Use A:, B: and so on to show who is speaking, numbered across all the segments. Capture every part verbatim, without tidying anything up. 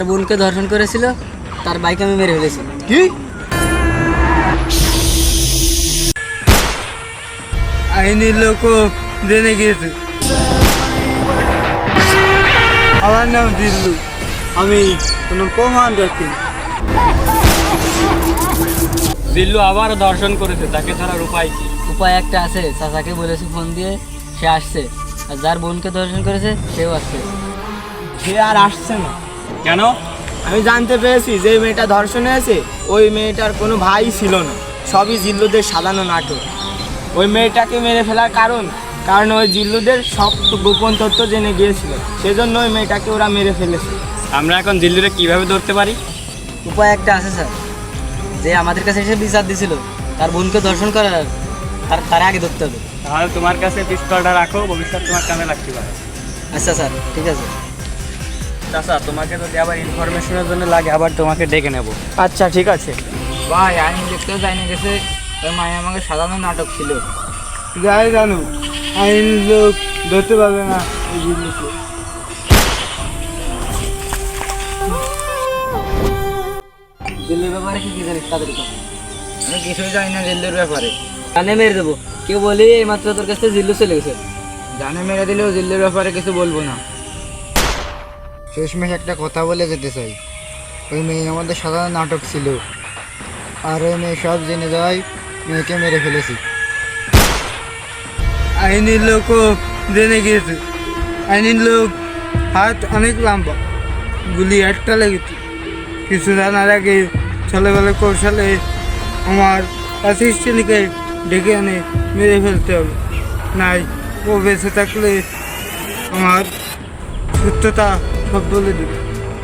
A: বোনকে ধর্ষণ করেছিল, তার বাইক আমি মেরে ফেলেছি।
B: কি আইনের লোকও জেনে গিয়েছে। আমার নাম দিল্লু, আমি কোনো প্রমাণ রাখি।
C: দিল্লু আবার ধর্ষণ করেছে, তাকে ধরার উপায় কি?
A: উপায় একটা আছে, চাচাকে বলেছি ফোন দিয়ে, সে আসছে। আর যার বোনকে ধর্ষণ করেছে সেও আসছে।
B: সে আর আসছে না।
C: কেন?
B: আমি জানতে পেরেছি যে মেয়েটা ধর্ষণ হয়েছে ওই মেয়েটার কোনো ভাই ছিল না, সবই জিল্লুদের সাজানো নাটক। ওই মেয়েটাকে মেরে ফেলার কারণ কারণ ওই জিল্লুদের সব গোপন তথ্য জেনে গিয়েছিল, সেজন্য ওই মেয়েটাকে ওরা মেরে ফেলেছে।
C: আমরা এখন দিল্লুরে কিভাবে ধরতে পারি?
A: উপায় একটা আছে স্যার, যে আমাদের কাছে এসে বিচার দিছিল, তার বোনকে ধর্ষণ করার, তার তার আগে ধরতে হবে।
C: তাহলে তোমার কাছে পিস্তলটা রাখো, ভবিষ্যৎ তোমার কামে লাগতে পারে।
A: আচ্ছা স্যার, ঠিক আছে।
C: চাচা, তোমাকে যদি আবার ইনফরমেশনের জন্য লাগে আবার তোমাকে ডেকে নেব।
B: আচ্ছা ঠিক আছে।
A: ভাই আইন দেখতেও জানি গেছে, ওই মায়ের আমাকে সাজানো নাটক ছিল।
B: যাই জানো, আইন লোক ধরতে পারবে না এই জিনিসকে।
A: দিল্লির ব্যাপারে কি কি জানিস তাদের কথা? আমি কিছুই জানি না দিল্লির ব্যাপারে। জানে মেরে দেবো, কেউ বলি এইমাত্র তোর কাছে জিল্লু চলে গেছে। জানে মেরে দিলেও দিল্লির ব্যাপারে কিছু বলবো না।
D: শেষমেশ একটা কথা বলে যেতে চাই, ওই মেয়ে আমাদের সাধারণ নাটক ছিল, আর ওই মেয়ে সব জেনে যাওয়ায় মেয়েকে মেরে ফেলেছি।
B: আইনের লোকও জেনে গিয়েছে। আইনের লোক হাত অনেক লম্বা, গুলি একটা লেগেছে। কিছু জানার আগে ছেলেবেলা কৌশলে আমার অ্যাসিস্ট্যান্টকে ডেকে এনে মেরে ফেলতে হবে, নাই ও বেঁচে থাকলে আমার সত্যতা সব বলে দেবে।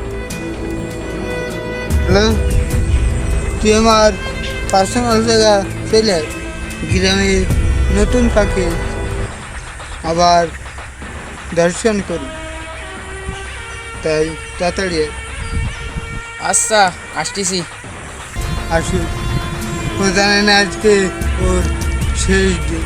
D: হ্যালো, তুই আমার পার্সোনাল জায়গা চলে আয়। গ্রামে নতুন পাখি আবার দর্শন করি, তাই তাড়াতাড়ি আয়।
A: আচ্ছা, আসতেছি।
D: আসুন, ও জানে না আজকে ওর শেষ দিন।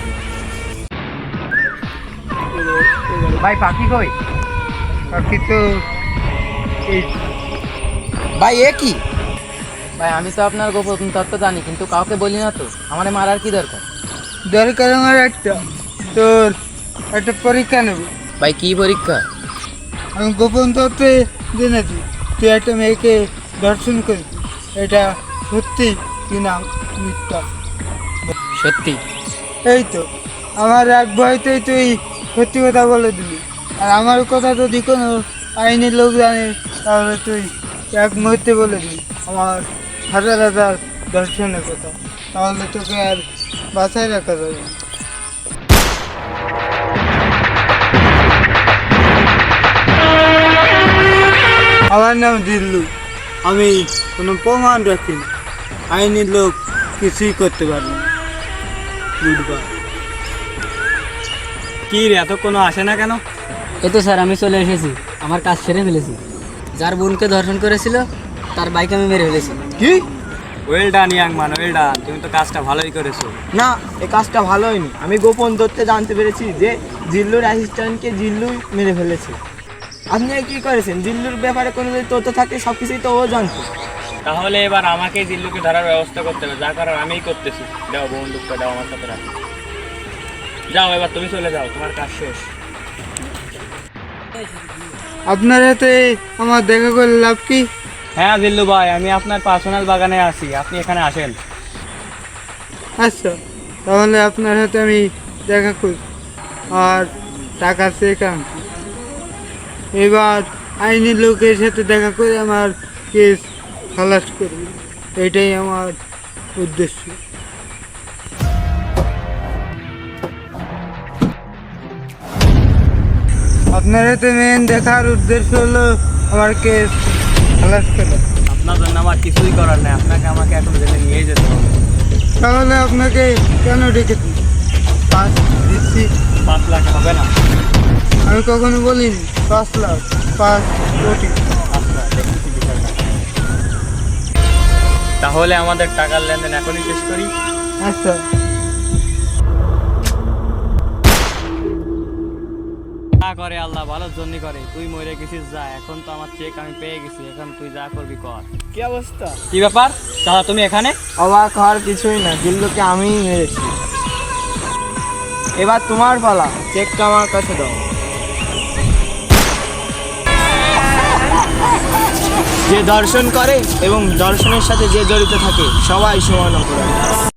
A: ভাই পাখি কই?
D: পাখি তো এই
A: ভাই এ কি? ভাই আমি তো আপনার গোপন তত্ত্ব জানি, কিন্তু কাউকে বলি না তো। আমার মারার কি দরকার?
D: দরকার আমার একটা, তোর একটা পরীক্ষা নেব।
A: ভাই কি পরীক্ষা?
D: আমি গোপন তত্ত্বে জেনেছি তুই একটা মেয়েকে দর্শন করেছিস, এটা সত্যি কিনা মিথ্যা।
A: সত্যি?
D: এই তো, আমার এক ভয়তেই তুই সত্যি কথা বলে দিলি। আর আমার কথা যদি কোনো আইনের লোক জানে তাহলে তুই এক মুহূর্তে বলে দিবি আমার হাজার হাজার দর্শনের কথা, তাহলে তোকে আর বাঁচায় রাখা যাবে না।
B: আমার নাম দিল্লু, আমি কোনো প্রমাণ রাখি না। আইনের লোক কিছুই করতে পারবে না। গুডবাই।
C: কি রে, এত কোনো আসে না কেন?
A: এই তো স্যার, আমি চলে এসেছি, আমার কাজ সেরে ফেলেছি। যার বোনকে ধর্ষণ করেছিল, তার বাইক আমি মেরে ফেলেছি।
B: কি?
C: Well done young man, well done. তুমি তো কাজটা ভালোই করেছো।
B: না, এই কাজটা ভালো হয়নি। আমি গোপন তথ্যে জানতে পেরেছি যে জিল্লুর অ্যাসিস্ট্যান্টকে জিল্লুই মেরে ফেলেছে। আপনি কি করেছেন? জিল্লুর ব্যাপারে কোনো যদি তথ্য থাকে সব কিছুই তো ও জানতো।
C: তাহলে এবার আমাকেই দিল্লুকে ধরার ব্যবস্থা করতে হবে, যা করার আমিই করতেছি। দাও বন্দুকটা, দাও আমার সাথে রাখো। যাও, এবার তুমি চলে যাও, তোমার কাজ শেষ।
D: আপনার হাতে আমার দেখা করে লাভ কি?
C: হ্যাঁ দিল্লু ভাই, আমি আপনার পার্সোনাল বাগানে আছি, আপনি এখানে আসেন।
D: আচ্ছা, তাহলে আপনার হাতে আমি দেখা করি আর টাকা চেক আনছি। এবার আইনি লোকের সাথে দেখা করে আমার কেস খালাস করবে, এটাই আমার উদ্দেশ্য। আপনার হাতে মেন দেখার উদ্দেশ্য হলো আমার কেস খালাস করা।
C: আপনার জন্য আমার কিছুই করার নেই, আপনাকে আমাকে এখন জেলে নিয়ে যেতে হবে।
D: তাহলে আপনাকে কেন ডেকেছি? পাঁচ দিচ্ছি।
C: পাঁচ লাখ হবে না?
D: আমি কখনো বলিনি পাঁচ লাখ, পাঁচ কোটি।
C: আচ্ছা, দেখতেছি বিষয়টা। তাহলে আমাদের টাকার লেনদেন এখনই শেষ করি।
D: আচ্ছা।
C: করে আল্লাহ ভালোর জন্য করে, তুই মরে গেছিস যা, এখন তো আমার চেক আমি পেয়ে গেছি, এখন তুই যা করবি কর।
D: কি অবস্থা?
C: কি ব্যাপার চাচা, তুমি এখানে?
D: অবাক হওয়ার কিছুই না, জিল্লুকে আমিই মেরেছি। এবার তোমার পালা, চেকটা আমার কাছে দাও। যে দর্শন করে এবং দর্শনের সাথে যে জড়িত থাকে সবাই সমান অপরাধী।